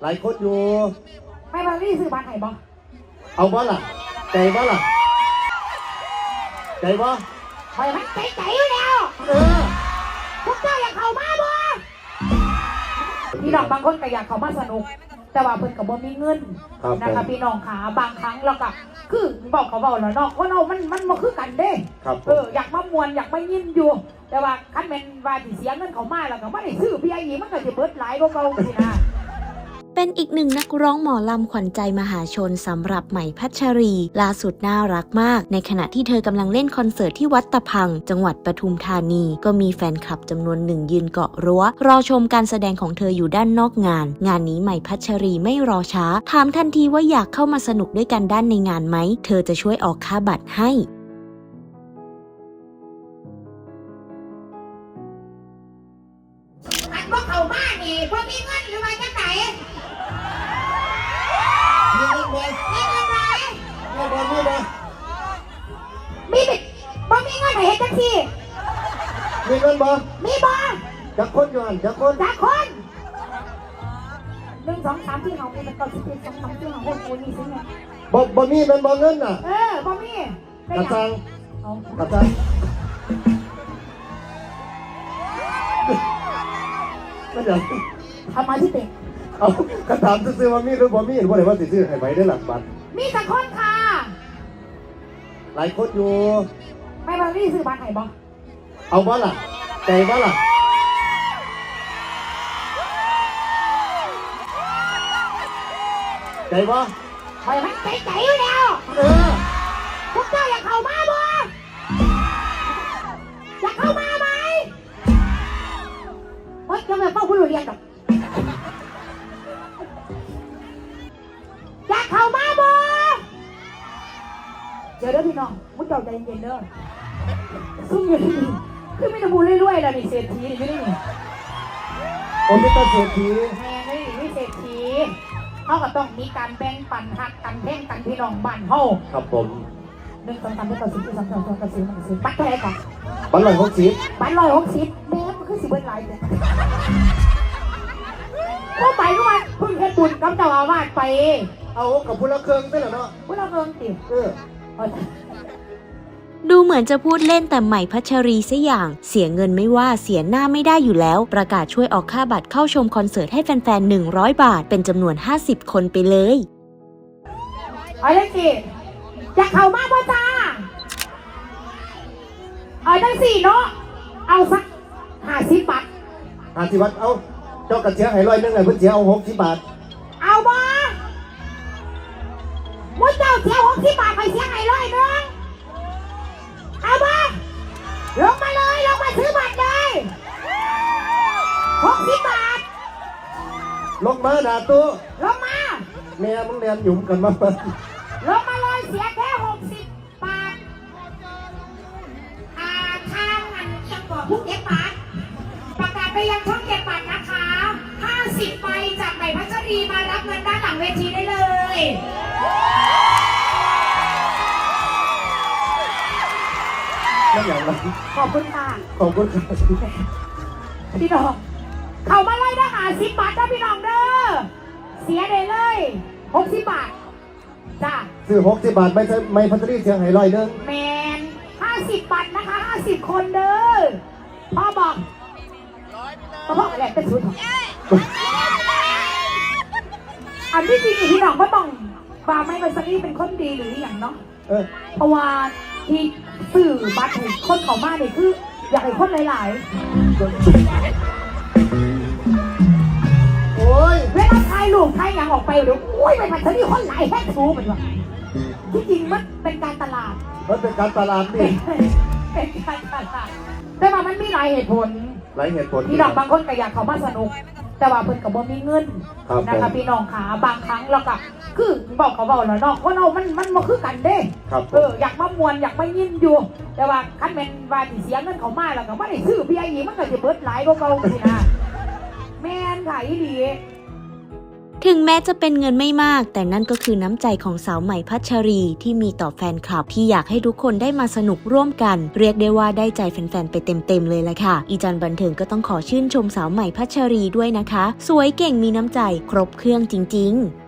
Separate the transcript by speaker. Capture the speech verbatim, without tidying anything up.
Speaker 1: หลายคนอยู่
Speaker 2: ไม่บางที่ซื้อบ้านไหนบ่
Speaker 1: เอาบ่ล่ะใจบ่ล่ะใจบ่
Speaker 2: คอยมันใจใจอยู่แล้ว
Speaker 1: เออ
Speaker 2: พวกเจ้าอยากเข้ามาบ่พี่น้องบางคนก็อยากเข้ามาสนุกแต่ว่าเพิ่นก็บ่มีเงินนะคะพี่น้องขาบางครั้งเราก็คือบอกเขาบอกแล้วเนาะว่าเรามันมันบ่คือกันเด้เอออยากมามวนอยากมายินอยู่แต่ว่าคันแม่นว่าสิเสียเงินเขามาแล้วก็บ่ได้ซื้อเบียร์อีมันก็สิเบิดหลายกว่าเก่าสินะ
Speaker 3: เป็นอีกหนึ่งนักร้องหมอลำขวัญใจมหาชนสำหรับใหม่พัชรีล่าสุดน่ารักมากในขณะที่เธอกำลังเล่นคอนเสิร์ตที่วัดตะพังจังหวัดปทุมธานีก็มีแฟนคลับจำนวนหนึ่งยืนเกาะรั้วรอชมการแสดงของเธออยู่ด้านนอกงานงานนี้ใหม่พัชรีไม่รอช้าถามทันทีว่าอยากเข้ามาสนุกด้วยกันด้านในงานไหมเธอจะช่วยออกค่าบัตรให้
Speaker 2: อันพวกเขาบ้านนี่พวกมีเงินหรือว่าจังไหน
Speaker 1: มีเงินบ่
Speaker 2: มีเงินไหม
Speaker 1: มีบ่มีบ่
Speaker 2: มีบิดบ่มีเงินให้เฮ็ดจังซี่
Speaker 1: มีเงินบ่
Speaker 2: มีบ่
Speaker 1: จักคนอยู่หั่นจักคน
Speaker 2: จักคนหนึ่งสองสามที่เขาเป็นตัวสิบเอ็ดสองสามที่เขาคนคนนี้สิเนี่ย
Speaker 1: บ่บ่มีเป็นบ่เงินน่ะ
Speaker 2: เออบ่มี
Speaker 1: กระซังกระซังก็เดี๋ยว
Speaker 2: ทำมาที่เต็ม
Speaker 1: เอาคำถามซื้อว่ามีหรือบ่มีหรือบ่ได้ว่าสิซื้อให้ไว้ได้หลักบัตร
Speaker 2: มีสักคนค่ะ
Speaker 1: หลายคนอยู่
Speaker 2: ไม่บางที่ซื้อบ้านไหนบ่
Speaker 1: เอาบ่ล่ะใจบ่ล่ะใจบ่
Speaker 2: คอยมันใจใจอยู่แล้ว
Speaker 1: เออ
Speaker 2: พวกเจ้าอยากเข้ามาบ่อยากเข้ามาไหมเฮ้ยจะไม่เฝ้าผู้เรียนหรอกอยากเข้ามาบ่เดี๋ยวเด้อพี่น้องมุดเจ้าใจเย็นๆเด้อซุ่มอยู่ที่นี่คือไม่ต้องพูดเรื่อยๆแล้วนี่เศรษฐีนี่ไม่ได้นี่
Speaker 1: โอ้ยตาเศรษฐี
Speaker 2: แม่นี่ไม่เศรษฐีเขาก็ต้องมีการแบ่งปันหักกันแบ่งกันพี่น้องบ้านเฮา
Speaker 1: ครับผม
Speaker 2: หนึ่งสองสามสี่ห้าหกเจ็ดแปดเก้าสิบสิบเอ็ดสิบสองสิบสามสิบบัตรเท่าไหร่ก่อน
Speaker 1: บัตรร้อยหกสิบ
Speaker 2: บัตรร้อยหกสิบแม่มันคือสิบเอ็ดหลายเลยก็ไปก็มาพึ่งเฮ็ดบุญกับเจ้าอาวาสไป
Speaker 1: เอากับพุทธเครื่องได้เหรอเนาะ
Speaker 2: พุทธเครื่องติ
Speaker 1: เออ
Speaker 3: ดูเหมือนจะพูดเล่นแต่ใหม่พัชรีซะอย่างเสียเงินไม่ว่าเสียหน้าไม่ได้อยู่แล้วประกาศช่วยออกค่าบัตรเข้าชมคอนเสิร์ตให้แฟนๆหนึ่งร้อยบาทเป็นจำนวนห้าสิบคนไปเลย
Speaker 2: เอาเลยสิอยากเข้ามาบ่จ้าเอาได้สี่เนาะเอาสักห้าสิบบาท
Speaker 1: ห้าสิบบาทเอาเจ้ากระเทียให้ร้อยนึงไงเพิ่นเสียเอาหกสิบบาท
Speaker 2: เอาบ่มุ้ยเจ้าเสียหกสิบบาทไปเสียให้ร้อยนึงเอาบ่ลงมาเลยลงมาซื้อบัตรเลยหกสิบบาท
Speaker 1: ลงมาด่าตู้
Speaker 2: ลงมา
Speaker 1: แม่มึงเรียนหยุ่มกันมา
Speaker 2: ลงมาเลยเสียแค่หกสิบบาทอ่าทางอันยังบอกผู้เก็บบัตรประกาศไปยังช่องเก็บบัตรนะคะห้าสิบใบจากใหม่พัชรีมารับเงินด้านหลังเวทีได้เลย
Speaker 1: นั่นอย่างไร
Speaker 2: ขอบคุณค่ะ
Speaker 1: ขอบคุณค่ะ
Speaker 2: พี่น้องเข้ามาเลยนะหาสิบบาทนะพี่น้องเด้อเสียเลยเลยหกสิบบาทจ้า
Speaker 1: ซื้อหกสิบบาทไม่ใช่ไม่พัชรีเสียงให้ร้อยนึง
Speaker 2: แมนห้าสิบบาทนะคะห้าสิบคนเด้อพ่อบอกพ่อบอกอะไรเป็นสุดอันที่จริงพี่น้องก็ต้องว่าไม่พัชรีเป็นคนดีหรืออย่างเนาะเพราะว่าที่สื่อบัตรคนเขามาเนี่ยคืออยากให้คนหลาย
Speaker 1: ๆโอ้ย
Speaker 2: เวลาถ่ายรูปถ่ายอย่างออกไปเดี๋ยวโอ้ยไปผัดเธอที่คนหลายแค่ทูมันวะที่จริงมันเป็นการตลาด
Speaker 1: มันเป็นการตลาดนี่
Speaker 2: เป็นการตลาดแต่ว่ามันมีหลายเหตุผล
Speaker 1: หลายเหตุผล
Speaker 2: พี่น้องบางคนก็อยากเขามาสนุกแต่ว่าเพิ่นกับบ่มีเงินนะคะพี่น้องขาบางครั้งเราก็คือบอกเขาบอกแล้วเนาะว่าเรามันมันบ่คือกันเด้เอออยากมามวนอยากมายินอยู่แต่ว่าคันแม่นว่าสิเสียเงินเขามาแล้วก็บ่ได้ซื้อเบียร์อีมันก็สิเบิดหลายกว่าเก่าสินะแม่นค่ะอีหลี
Speaker 3: ถึงแม้จะเป็นเงินไม่มากแต่นั่นก็คือน้ำใจของสาวใหม่พัชรีที่มีต่อแฟนคลับที่อยากให้ทุกคนได้มาสนุกร่วมกันเรียกได้ว่าได้ใจแฟนๆไปเต็มๆเลยละค่ะอีจันบันเทิงก็ต้องขอชื่นชมสาวใหม่พัชรีด้วยนะคะสวยเก่งมีน้ำใจครบเครื่องจริงๆ